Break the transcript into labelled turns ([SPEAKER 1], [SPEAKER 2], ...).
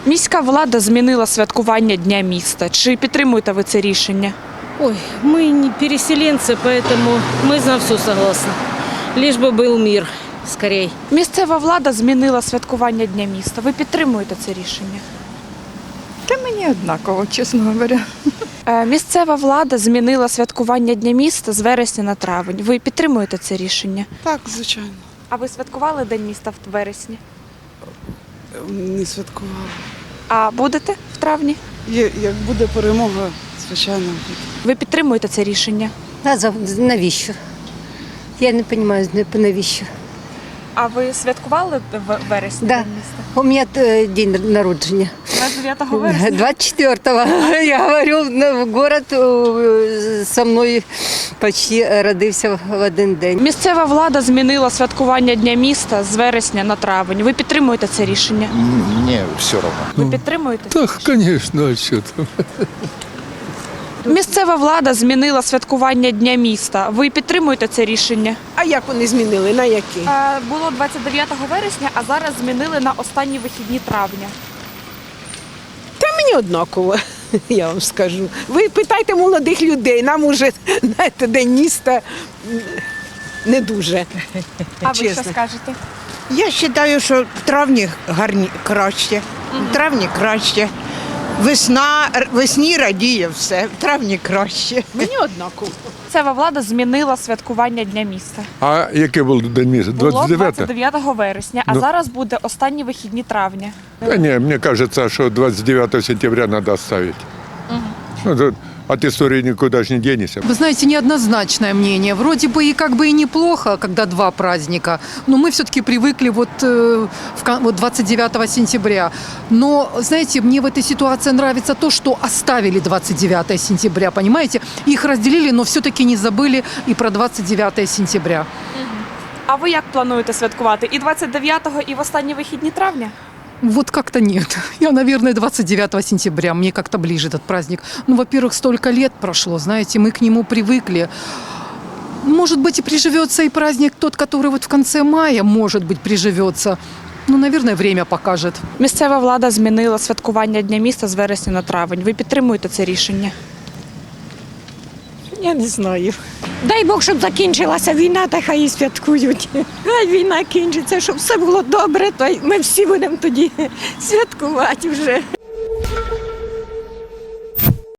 [SPEAKER 1] Міська влада змінила святкування Дня міста. Чи підтримуєте ви це рішення?
[SPEAKER 2] Ой, мы не переселенцы, поэтому мы на все согласны. Лишь бы был мир скорей.
[SPEAKER 1] Місцева влада змінила святкування Дня міста. Ви підтримуєте це рішення?
[SPEAKER 3] Та мені однаково, чесно говоря.
[SPEAKER 1] Місцева влада змінила святкування Дня міста з вересня на травень. Ви підтримуєте це рішення?
[SPEAKER 4] Так, звичайно.
[SPEAKER 1] А ви святкували День міста в вересні?
[SPEAKER 4] Не святкувала.
[SPEAKER 1] А будете в травні?
[SPEAKER 4] Як буде перемога, звичайно.
[SPEAKER 1] Ви підтримуєте це рішення?
[SPEAKER 5] Навіщо? Я не розумію, навіщо.
[SPEAKER 1] А ви святкували в вересні
[SPEAKER 5] Да.
[SPEAKER 1] День міста?
[SPEAKER 5] У мене день народження.
[SPEAKER 1] 29 вересня?
[SPEAKER 5] 24-го. Я говорю, город со мною почти родився в один день.
[SPEAKER 1] Місцева влада змінила святкування Дня міста з вересня на травень. Ви підтримуєте це рішення?
[SPEAKER 6] Мне все равно.
[SPEAKER 1] Ви підтримуєте?
[SPEAKER 7] Так, конечно, а что там?
[SPEAKER 1] Місцева влада змінила святкування Дня міста. Ви підтримуєте це рішення?
[SPEAKER 8] А як вони змінили? На які?
[SPEAKER 1] Було 29 вересня, а зараз змінили на останні вихідні травня.
[SPEAKER 8] Та мені однаково, я вам скажу. Ви питайте молодих людей, нам уже, знаєте, День міста не дуже.
[SPEAKER 1] А ви що
[SPEAKER 8] Чесно.
[SPEAKER 1] скажете?
[SPEAKER 9] Я вважаю, що в травні краще. В травні краще. Весні радіє все, в травні краще.
[SPEAKER 8] Мені однаково.
[SPEAKER 1] Місцева влада змінила святкування Дня міста.
[SPEAKER 7] А яке було День міста?
[SPEAKER 1] Було
[SPEAKER 7] 29?
[SPEAKER 1] 29 вересня, а
[SPEAKER 7] Ну.
[SPEAKER 1] зараз буде останні вихідні травня.
[SPEAKER 7] Да не, мне кажется, что 29 сентября надо оставить. Ну, тут от истории никуда же не денешься.
[SPEAKER 10] Вы знаете, неоднозначное мнение. Вроде бы и как бы и неплохо, когда два праздника, но мы все-таки привыкли вот 29 сентября. Но, знаете, мне в этой ситуации нравится то, что оставили 29 сентября, понимаете? Их разделили, но все-таки не забыли и про 29 сентября.
[SPEAKER 1] А ви як плануєте святкувати? І 29-го, і в останні вихідні травня?
[SPEAKER 10] Вот как-то нет. Я, наверное, 29 сентября. Мне как-то ближе этот праздник. Ну, во-первых, столько лет прошло, знаете, мы к нему привыкли. Может быть, и приживется и праздник тот, который вот в конце мая, может быть, приживется. Ну, наверное, время покажет.
[SPEAKER 1] Місцева влада змінила святкування Дня міста з вересня на травень. Ви підтримуєте це рішення?
[SPEAKER 3] Я не знаю.
[SPEAKER 2] Дай Бог, щоб закінчилася війна, та хай і святкують.
[SPEAKER 3] Хай війна кінчиться, щоб все було добре, то й ми всі будемо тоді святкувати вже.